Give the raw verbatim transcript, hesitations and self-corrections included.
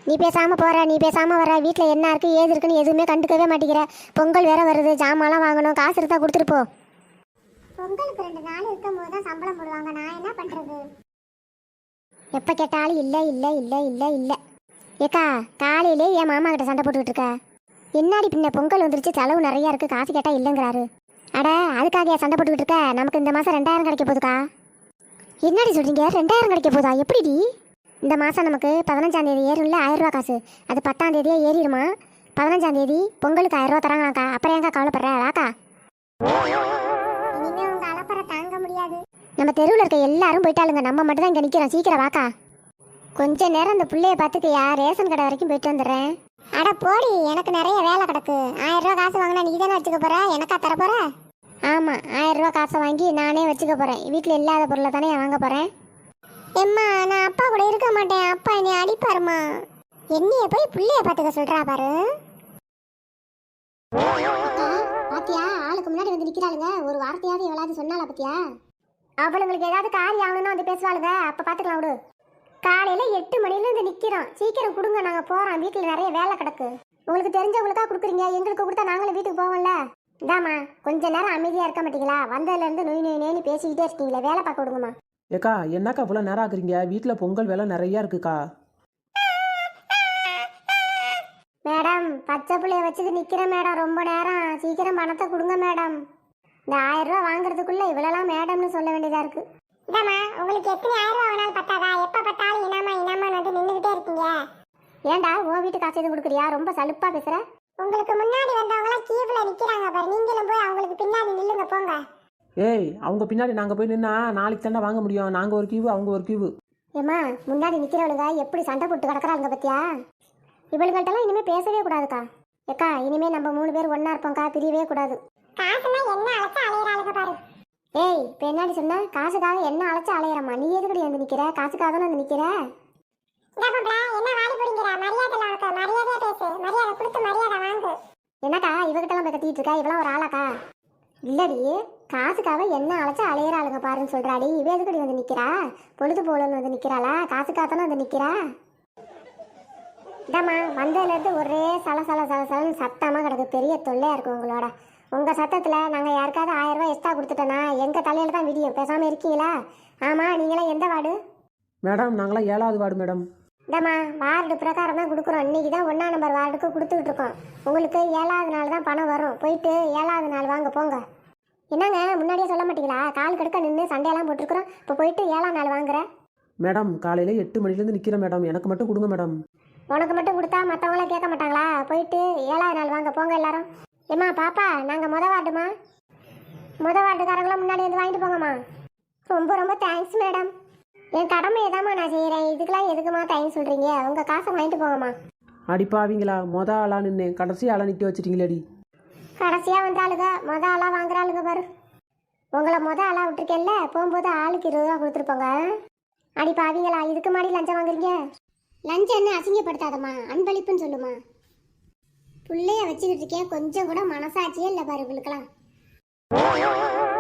நீ பேசாம போற, நீ பேசாம வர, வீட்டில் என்ன இருக்கு ஏது இருக்குன்னு எதுவுமே கண்டுக்கவே மாட்டேங்கிற. பொங்கல் வேற வருது, ஜாமான்லாம் வாங்கணும், காசு இருந்தா கொடுத்துட்டு போ. பொங்கலுக்கு ரெண்டு நாள் இருக்கும் போது தான் சம்பளம் போடுவாங்க, நான் என்ன பண்றது? எப்ப கேட்டாலும் இல்ல இல்ல இல்ல இல்ல இல்ல. ஏக்கா காலையிலே என் மாமா கிட்ட சண்டை போட்டுக்கிட்டு இருக்க. என்னாடி பின்ன பொங்கல் வந்துருச்சு, செலவு நிறைய இருக்கு, காசு கேட்டா இல்லைங்கிறாரு. அட அதுக்காக சண்டை போட்டுக்கிட்டு இருக்க? நமக்கு இந்த மாசம் ரெண்டாயிரம் கிடைக்க போகுதுக்கா. என்னடி சொல்றீங்க? ரெண்டாயிரம் கிடைக்க போதா? எப்படிடி? இந்த மாசம் நமக்கு பதினஞ்சாம் தேதி ஏறும்ல ஆயிரம் ரூபா காசு, அது பத்தாம் தேதியே ஏறிடுமா? பதினஞ்சாம் தேதி பொங்கலுக்கு ஆயிரம் ரூபா தராங்களாக்கா. அப்புறம் ஏங்கா கவலைப்படுற? வாக்கா. இனிமே உங்க அலப்பறை தாங்க முடியாது. நம்ம தெருவில் இருக்க எல்லாரும் போயிட்டாளுங்க, நம்ம மட்டும் தான் இங்கே நிற்கிறோம். சீக்கிரம் வாக்கா. கொஞ்ச நேரம் இந்த பிள்ளைய பார்த்துக்கையா, ரேஷன் கடை வரைக்கும் போயிட்டு வந்துடுறேன். அட போடி, எனக்கு நிறைய வேலை கிடக்கு. ஆயிரம் ரூபா காசு வாங்கினா நீ தானே வச்சுக்க போற, எனக்கா தர போற? ஆமா, ஆயிரம் ரூபா காசை வாங்கி நானே வச்சுக்க போறேன். வீட்டில் இல்லாத பொருளை தானே வாங்க போறேன். எம்மா, நான் அப்பா கூட இருக்க மாட்டேன், அப்பா என்னை அடிப்பாருமா. என்னைய போய் பிள்ளைய பார்த்துக்க சொல்றா பாரு. பாத்தியா, ஆளுக்கு முன்னாடி வந்து நிக்கிறாளுங்க. ஒரு வார்த்தையாவது எவ்வளவு சொன்னால பாத்தியா? அவளுங்களுக்கு ஏதாவது காரியம் ஆகணும்னு வந்து பேசுவாளுங்க, அப்ப பாத்துக்கலாம் விடு. காலையில எட்டு மணில இருந்து நிக்கிறோம், சீக்கிரம் கொடுங்க, நாங்க போறோம். வீட்டுல நிறைய வேலை கிடக்கு. உங்களுக்கு தெரிஞ்சவங்களுக்கா கொடுக்குறீங்க, எங்களுக்கு கொடுத்தா நாங்களும் வீட்டுக்கு போவோம்ல. இதாம்மா, கொஞ்ச நேரம் அமைதியா இருக்க மாட்டீங்களா? வந்ததுல இருந்து நொய் நொய் நொய்னு பேசிக்கிட்டே இருக்கீங்களே, வேலை பார்க்க விடுங்கம்மா. ஏக்கா என்னக்கா இவ்வளோ நேரம் ஆகுறீங்க? வீட்டில் பொங்கல் வேலை நிறையா இருக்குக்கா. மேடம், பச்சை பிள்ளைய வச்சுட்டு நிக்கிறேன் மேடம், ரொம்ப நேரம். சீக்கிரம் பணத்தை கொடுங்க மேடம். இந்த ஆயிரம் ரூபா வாங்குறதுக்குள்ள இவ்வளவுலாம் மேடம்னு சொல்ல வேண்டியதா இருக்கு. இதாம்மா, உங்களுக்கு எத்தனை ஆயிரம் ரூபா வேணாலும் பத்தாதா? எப்ப பார்த்தாலும் இனாமா இனாமான்னு வந்து நின்றுகிட்டே இருக்கீங்க. ஏண்டா உன் வீட்டு காசு எதுவும் கொடுக்குறியா? ரொம்ப சலுப்பா பேசுற. உங்களுக்கு முன்னாடி வந்தவங்களாம் கீவ்ல நிக்கிறாங்க பாரு, நீங்களும் போய் அவங்களுக்கு பின்னாடி நில்லுங்க போங்க. ஏய், அவங்க பின்னாடி நாங்கள் போய் நின்னா நாளைக்கு தானே வாங்க முடியும். நாங்கள் ஒரு கியூவு, அவங்க ஒரு கியூவு. ஏம்மா, முன்னாடி நிக்கிறவளுங்க எப்படி சண்டை போட்டு கிடக்குறாங்க பத்தியா? இவளுகள்ட்டெல்லாம் இனிமே பேசவே கூடாதுக்கா. ஏக்கா, இனிமே நம்ம மூணு பேர் ஒன்னா இருப்போம்க்கா, பிரியவே கூடாது. காசுனா என்ன அழைச்சா அலையறாளுங்க பாரு. ஏய், இப்ப என்னடி சொன்ன? காசுக்காக என்ன அழைச்சா அலையறமா? நீ எதுக்கடி வந்து நிக்கிற? காசுக்காக தானே வந்து நிக்கிற. என்னக்கா இவகிட்டலாம் போய் கத்திட்டு இருக்கா? இவெல்லாம் ஒரு ஆளாக்கா? இல்லடி, காசுக்காக என்ன அழைச்சா அலையறாளுங்க பாருன்னு சொல்றாடி. இவ எதுக்கடி வந்து நிக்கிறா? பொழுது போலன்னு வந்து நிக்கிறாளா? காசுக்காக தானே வந்து நிக்கிறா. இதாம்மா, வந்ததுல இருந்து ஒரே சல சல சல சலன்னு சத்தமா கிடக்கு. பெரிய தொல்லையா இருக்கும் உங்களோட. உங்க சத்தத்துல நாங்க யாருக்காவது ஆயிரம் ரூபாய் எக்ஸ்ட்ரா கொடுத்துட்டோன்னா எங்க தலையில தான் விடியும். பேசாம இருக்கீங்களா? ஆமா, நீங்களாம் எந்த வார்டு? மேடம், நாங்களாம் ஏழாவது வார்டு மேடம். இந்தம்மா, வார்டு பிரகாரம் தான் கொடுக்குறோம். இன்னைக்கு தான் ஒன்றாம் நம்பர் வார்டுக்கு கொடுத்துக்கிட்டு இருக்கோம். உங்களுக்கு ஏழாவது நாள் தான் பணம் வரும். போயிட்டு ஏழாவது நாள் வாங்க போங்க. என்னங்க முன்னாடியே சொல்ல மாட்டீங்களா? கால் கடுக்க நின்று சண்டையெல்லாம் போட்டுருக்குறோம். இப்போ போயிட்டு ஏழாம் நாள் வாங்குற. மேடம், காலையில் எட்டு மணிலேருந்து நிற்கிறேன் மேடம், எனக்கு மட்டும் கொடுங்க மேடம். உனக்கு மட்டும் கொடுத்தா மற்றவங்களாம் கேட்க மாட்டாங்களா? போயிட்டு ஏழாவது நாள் வாங்க போங்க எல்லாரும். ஏம்மா பாப்பா, நாங்கள் முத வார்டுமா, முத வார்டுக்காரங்களாம் முன்னாடி வந்து வாங்கிட்டு போங்கம்மா. ரொம்ப ரொம்ப தேங்க்ஸ் மேடம். என் கடமை எதாம்மா நான் செய்கிறேன், இதுக்கெல்லாம் எதுக்குமா தேங்க்ஸ் சொல்கிறீங்க? உங்கள் காசை வாங்கிட்டு போங்கம்மா. அடிப்பாவீங்களா? மொத ஆளாக நின்று கடைசி ஆளாக நிற்க வச்சிட்டீங்களேடி. கடைசியாக வந்த ஆளுங்க மொத ஆளாக வாங்குற ஆளுங்க பாரு. உங்களை மொத ஆளாக விட்டுருக்கேன்ல, போகும்போது ஆளுக்கு இருபது ரூபா கொடுத்துருப்போங்க. அடிப்பாவீங்களா? இதுக்கு மாடி லஞ்சம் வாங்குறீங்க? லஞ்சம் என்ன அசிங்கப்படுத்தாதம்மா, அன்பளிப்புன்னு சொல்லுமா. பிள்ளைய வச்சுக்கிட்டு இருக்கேன், கொஞ்சம் கூட மனசாட்சியே இல்லை பாரு உங்களுக்கெல்லாம்.